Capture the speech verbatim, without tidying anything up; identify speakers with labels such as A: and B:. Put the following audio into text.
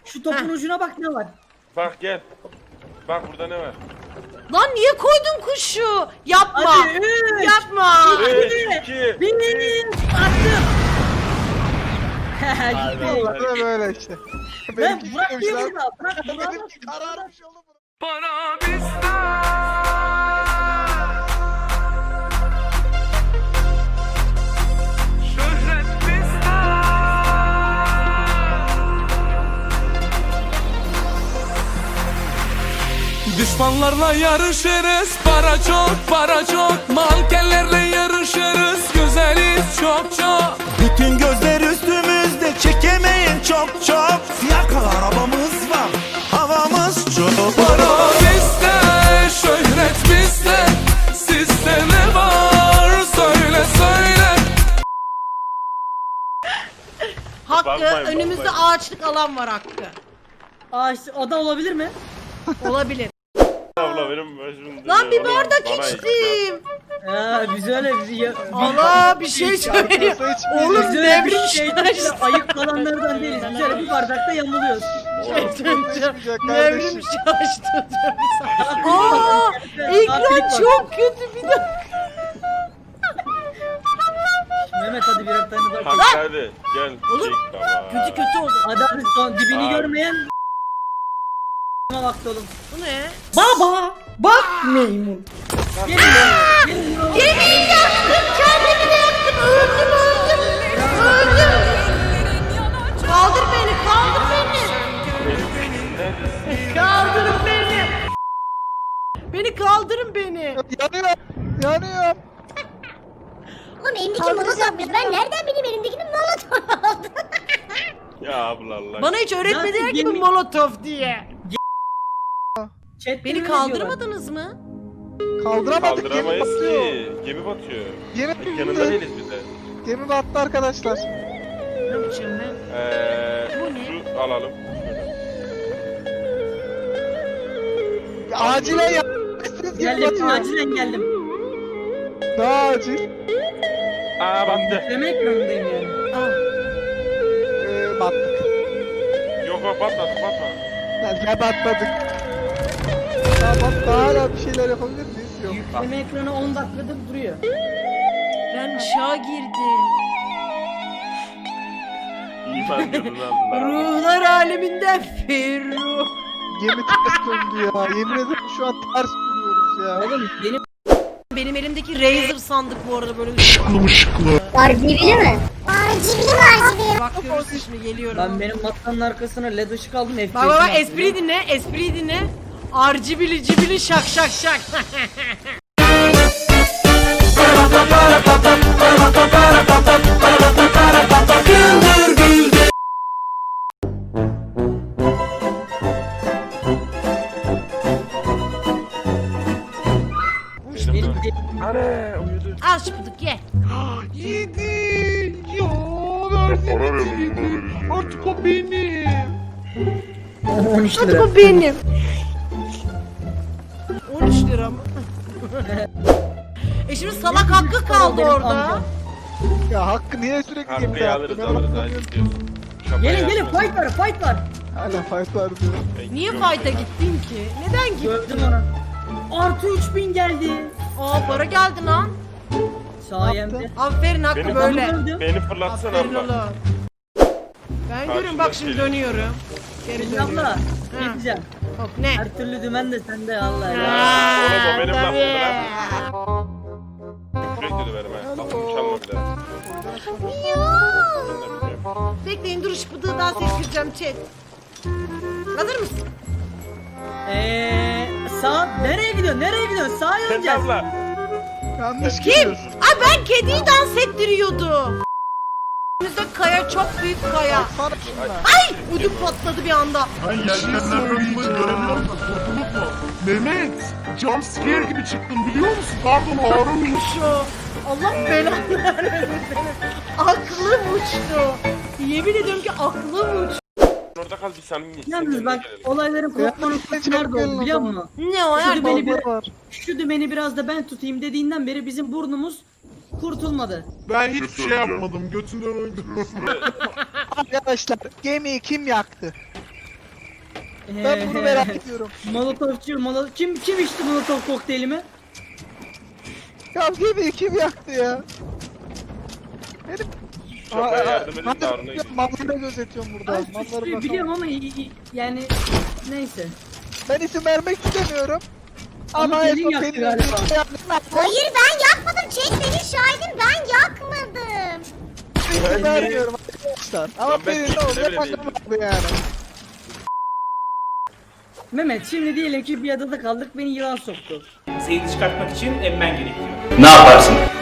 A: Şu topun
B: Heh.
A: ucuna bak ne var.
C: Bak gel. Bak burada ne var?
B: Lan niye koydun kuşu? Yapma.
A: Hadi üç.
B: Yapma.
C: üç, iki,
A: Bir. Attım. Gitti.
C: Hadi.
D: Böyle böyle işte.
A: Ben
D: Benimki
A: bırak
D: gitmemiş
A: diye
D: lan.
A: burada. Bırak bırak.
D: Benimki kararmış oğlum.
E: Para bizden. Şöhret bizden. Düşmanlarla yarışırız, para çok, para çok. Mankenlerle yarışırız, güzeliz çok çok.
F: Bütün gözler üstümüzde, çekemeyin çok çok. Siyah kal arabamız var, havamız çok.
E: Para bizde, şöhret bizde. Sizde ne var, söyle söyle.
B: Hakkı
C: Bakmayın,
B: önümüzde
C: bakmayın.
B: ağaçlık alan var Hakkı.
A: Ağaç, o da olabilir mi?
B: Olabilir.
C: Abla benim başım
B: Lan bir
C: dönüyor.
B: bardak
C: Bana
B: içtim.
A: Ya biz öyle biz ya.
B: Allah bir şey söyleyeyim. Oğlum
A: Biz öyle bir
B: devrim
A: şey
B: şaştı.
A: ayıp kalanlardan değiliz. Biz öyle bir bardakta yamuluyoruz.
D: Konuşmayacak
B: Devrim
D: kardeşim.
B: şaştı. Aa, ekran çok kötü bir dakika.
A: Mehmet hadi birer tane daha.
C: Hadi hadi gel.
B: Oğlum,
C: Çek baba.
B: Kötü kötü oldu.
A: Hadi hadi son dibini
C: Abi.
A: görmeyen vakti oğlum.
B: Bu ne?
A: Baba! Bak meymun. Gelin be. Gelin be.
B: Yemin yaktım, kendimi de yaktım. Öldüm, öldüm. Öldüm. Kaldır beni, kaldır beni. Kaldırın beni. Beni kaldırın beni.
D: Yanıyor. Yanıyor.
G: Oğlum elimdeki molotofmuş. Ben nereden bileyim elimdekinin molotof oldu?
C: Ya abla Allah.
B: Bana hiç öğretmediler
A: Nasıl
B: gibi
A: gemi-
B: molotof diye.
A: Chat'te
B: Beni
A: öyle
B: kaldırmadınız mı?
D: Kaldıramadık. Gemi
C: Kaldıramayız
D: batıyor.
C: ki. Gemi batıyor.
D: Gemi
C: Yanında
D: battı.
C: değiliz biz de.
D: Gemi battı arkadaşlar.
B: Ne yapacağım ben?
C: Eee
B: Bu ne?
C: şu alalım.
D: Acilen yap. Siz gemi
A: Geldim,
D: batıyor.
A: acilen geldim.
D: Daha acil.
C: Aa battı.
A: Yükleme ekranındayım yani.
B: Ah,
D: Ee, battık.
C: Yok yok batmadı batmadı.
D: Ya batmadık. Ya bak daha hala bir şeyler yapabilir miyiz? Yok.
A: Yükleme ekranı on dakikadır duruyor.
B: ben ışığa girdim.
C: İman gözünü aldılar.
B: Ruhlar aleminden Ferruh.
D: Gemi ters döndü ya. Yemin ederim şu an ters duruyoruz ya.
A: Oğlum benim
B: Benim elimdeki Razer sandık bu arada böyle ışıklı.
G: R G B'li mi? R G B'li mi R G B'li?
B: Bak görürsün şimdi geliyorum.
A: ben benim masanın arkasına led ışık aldım. F P S
B: Bak bak bak
A: yaptım.
B: espriyi dinle, espriyi dinle. Arcibili cibili şak şak şak.
A: Benim de-
C: Anne uyudu.
B: Al şıpıdık ye.
D: Yedi. Ya versin. Artık o benim.
A: on üç lira.
B: Bu benim. on üç lira mı? e şimdi salak hakkı kaldı
A: Benim
B: orada.
A: amcam.
D: Ya Hakkı niye sürekli gemide
C: Hakkıyı alırız
D: yaptın?
C: alırız.
D: Ben
C: Hadi
D: anlamıyorum.
C: gidiyoruz. Şapayı
A: Gelin gelin
C: yapıyoruz.
A: fight var fight var.
D: Hala fight var diyor.
B: Niye fight'a gittin ki? Neden gittin?
A: Gördüm onu. Artı üç bin geldi.
B: Aa para geldi lan.
A: Sayemde.
B: Aferin Hakkı
C: Benim-
B: böyle.
A: Gördüm.
C: Beni fırlatsana
B: Aferin
C: abla.
B: oğlum. Ben görüyorum bak şimdi dönüyorum. Geri
A: Şimdi
B: dönüyorum.
A: abla
B: Ha.
A: ne diyeceğim?
B: Hop ne?
A: Her türlü dümen de sende Allah ya.
B: Aa,
C: Oğlum o benim
B: tabii.
C: lafımdı Sürekli döverim ha. Lafımı çalma bir daha. Ben de bilmiyorum.
B: Bekleyin dur şıpıdığı dans ettireceğim chat. Hazır mısın?
A: Eee sağ nereye gidiyorsun? Nereye gidiyorsun? Sağa
C: Sen
A: yöneceğiz.
C: abla.
D: Yanlış
B: Kim?
D: gidiyorsun.
B: Ay ben kediyi dans ettiriyordum. Önümüzde kaya çok büyük kaya.
D: Sana şuna.
B: Ay ödüm patladı bir anda.
H: Ben yelkenler bölümünü göremiyorum da kurtulduk mu? Mehmet, jumpscare gibi çıktın biliyor musun? Pardon Harun.
B: Şu Allah belanı vermesin senin. Aklım uçtu. Yemin ediyorum ki aklım uçtu.
C: Orada kal bir samimi.
A: Yalnız bak olayların kopma noktası
D: Ya,
A: nerede oldu biliyor musun?
B: Ne o
A: Şu
B: yer
A: dümeni, bir,
D: Bomba var.
A: şu dümeni biraz da ben tutayım dediğinden beri bizim burnumuz kurtulmadı.
H: Ben hiçbir şey yapmadım. Götünden uydurmasın.
D: Arkadaşlar gemiyi kim yaktı? Ben bunu merak ediyorum.
A: Molotofçu, molo kim kim içti molotof kokteylimi?
D: Ya gemiyi kim yaktı ya? Benim...
C: Şoföre yardım edin de
D: hadi
C: Harun'a gidin.
D: malları gözetiyorum burada.
A: Ben
D: Malları
A: suçluyu
D: bakalım.
A: biliyorum ama i- i- yani neyse.
D: Ben isim vermek istemiyorum.
A: Ama
D: en
A: Pelin
D: son
A: yaktı
D: Pelin
A: galiba.
B: Hayır ben yakmadım. Çek beni şahidim, ben yakmadım.
D: isim vermiyorum arkadaşlar. Ama
C: Lan ben
D: Pelin ne
C: kimse
D: olacak
C: bile değilim.
D: bakalım yani.
A: Mehmet şimdi diyelim ki bir adada kaldık, beni yılan soktu.
I: Seni çıkartmak için emmen gerekiyor. Ne yaparsın?